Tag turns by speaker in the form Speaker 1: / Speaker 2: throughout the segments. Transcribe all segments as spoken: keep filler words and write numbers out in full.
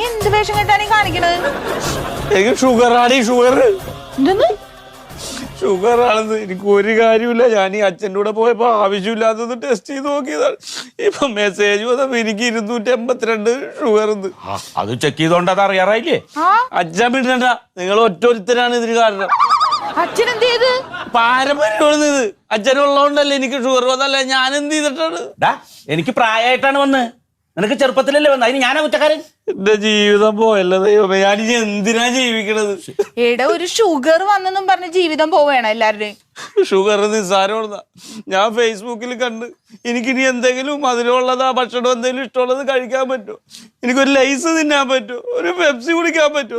Speaker 1: എന്ത് വേഷം കെട്ടാണ് ഈ കാണിക്കണത്?
Speaker 2: എനിക്ക് ഷുഗർ ആടി ഷുഗർ.
Speaker 1: എന്തെന്ന്?
Speaker 2: ഷുഗർ ആണെന്ന്. എനിക്ക് ഒരു കാര്യമില്ല. ഞാൻ ഈ അച്ഛൻ്റെ കൂടെ പോയപ്പോ ആവശ്യമില്ലാത്തത് ടെസ്റ്റ് ചെയ്ത് നോക്കിയതാണ്. ഇപ്പൊ മെസ്സേജ് വന്നപ്പോ എനിക്ക് ഇരുന്നൂറ്റി എൺപത്തിരണ്ട് ഷുഗർ.
Speaker 3: അത് ചെക്ക് ചെയ്തോണ്ട് അത് അറിയാറായില്ലേ?
Speaker 2: അച്ഛൻ വിടണ്ട, നിങ്ങൾ ഒറ്റൊരുത്തരാണ് ഇതിന് കാരണം.
Speaker 1: അച്ഛൻ എന്ത് ചെയ്ത്?
Speaker 2: പാരമ്പര്യമാണ് ഇത്. അച്ഛനുള്ളതുകൊണ്ടല്ലേ എനിക്ക് ഷുഗർ വന്നല്ലേ. ഞാൻ എന്ത് ചെയ്തിട്ടാണ്?
Speaker 3: എനിക്ക് പ്രായമായിട്ടാണ് വന്ന്. നിനക്ക് ചെറുപ്പത്തിലല്ലേ വന്നത്. അതിന് ഞാനാ കുറ്റക്കാരൻ.
Speaker 2: എന്റെ ജീവിതം പോയല്ലോ ദൈവമേ. ഞാൻ ഇനി എന്തിനാ ജീവിക്കണത്?
Speaker 1: എടാ, ഒരു ഷുഗർ വന്നെന്നും പറഞ്ഞ് ജീവിതം പോവേണം എല്ലാവരുടെയും.
Speaker 2: ഷുഗർ നിസ്സാരമുള്ളതാ. ഞാൻ ഫേസ്ബുക്കിൽ കണ്ട് എനിക്കിനി എന്തെങ്കിലും മധുരമുള്ളതാ ഭക്ഷണം എന്തെങ്കിലും ഇഷ്ടമുള്ളത് കഴിക്കാൻ പറ്റുമോ? എനിക്കൊരു ലൈസ് തിന്നാൻ പറ്റുമോ? ഒരു പെപ്സി കുടിക്കാൻ പറ്റുമോ?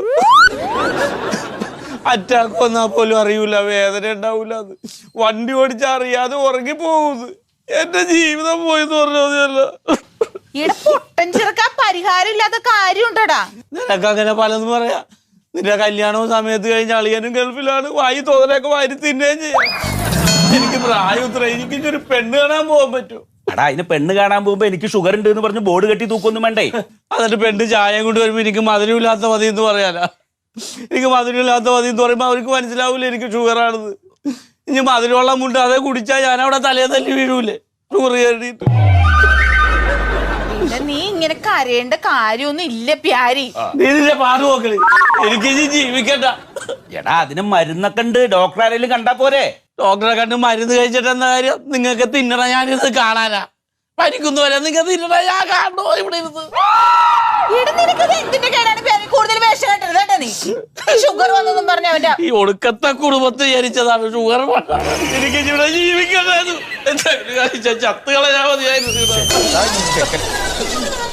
Speaker 2: അറ്റാക്ക് വന്നാൽ പോലും അറിയൂല, വേദന ഉണ്ടാവൂല. അത് വണ്ടി ഓടിച്ചാൽ അറിയാതെ ഉറങ്ങി പോകുന്നത്. എന്റെ ജീവിതം പോയെന്ന് പറഞ്ഞതല്ല.
Speaker 1: പൊട്ടൻ ചെറുക്കാൻ പരിഹാരം ഇല്ലാത്ത കാര്യമുണ്ടടാ.
Speaker 2: നിനക്ക് അങ്ങനെ പലതും പറയാ. നിന്റെ കല്യാണവും സമയത്ത് കഴിഞ്ഞ അളിയനും ഗൾഫിലാണ്. വായി തോന്നലൊക്കെ വാരി തിന്നുകയും ചെയ്യാം. എനിക്ക് പ്രായം ഇത്ര. എനിക്ക് ഒരു പെണ്ണ് കാണാൻ പോകാൻ പറ്റുമോ?
Speaker 3: എടാ, അതിന് പെണ്ണ് കാണാൻ പോകുമ്പോ എനിക്ക് ഷുഗർ ഉണ്ട് എന്ന് പറഞ്ഞ് ബോർഡ് കെട്ടി തൂക്കൊന്നും വേണ്ടേ?
Speaker 2: എന്നിട്ട് പെണ്ണ് ചായ കൊണ്ട് വരുമ്പോ എനിക്ക് മധുരമില്ലാത്ത മതി എന്ന് പറയാനാ? എനിക്ക് മധുരമില്ലാത്ത മതി എന്ന് പറയുമ്പോ അവർക്ക് മനസ്സിലാവൂല എനിക്ക് ഷുഗർ ആണെന്ന്. ഇനി മധുരമുള്ള മുണ്ട് അതേ കുടിച്ചാൽ ഞാൻ അവിടെ തലയെ തല്ലി വീഴൂലേ ഷുഗർ കയറിയിട്ട്?
Speaker 1: നീ ഇങ്ങനെ കരയേണ്ട കാര്യമൊന്നും ഇല്ല പ്യാരി.
Speaker 2: നീ നിന്റെ പാട് നോക്കണേ. എനിക്ക് ഇനി ജീവിക്കണ്ട.
Speaker 3: എടാ, അതിന് മരുന്നൊക്കെ ഉണ്ട്. ഡോക്ടർ ആരെങ്കിലും കണ്ടാ പോരെ?
Speaker 2: ഡോക്ടറെ കണ്ട് മരുന്ന് കഴിച്ചിട്ട് എന്താ കാര്യം? നിങ്ങൾക്ക് തിന്നണ ഞാനിത് കാണാനാ? പരിക്കുന്നു വരെ നിങ്ങൾ തിന്നണ ഞാൻ കാണണോ ഇവിടെ ഇരുന്ന്?
Speaker 1: കൂടുതൽ വേഷം കെട്ടരുത് കേട്ടോ. നീ ഷുഗർ വന്നൊന്നും പറഞ്ഞ അവന്റെ
Speaker 2: ഈ ഒടുക്കത്തെ കുടുംബത്തെ വിചാരിച്ചതാണ് ഷുഗർ. എനിക്ക് ഇവിടെ ജീവിക്കണ്ടായിരുന്നു. എന്താ ചത്തുകളെ ഞാൻ മതിയായിരുന്നു.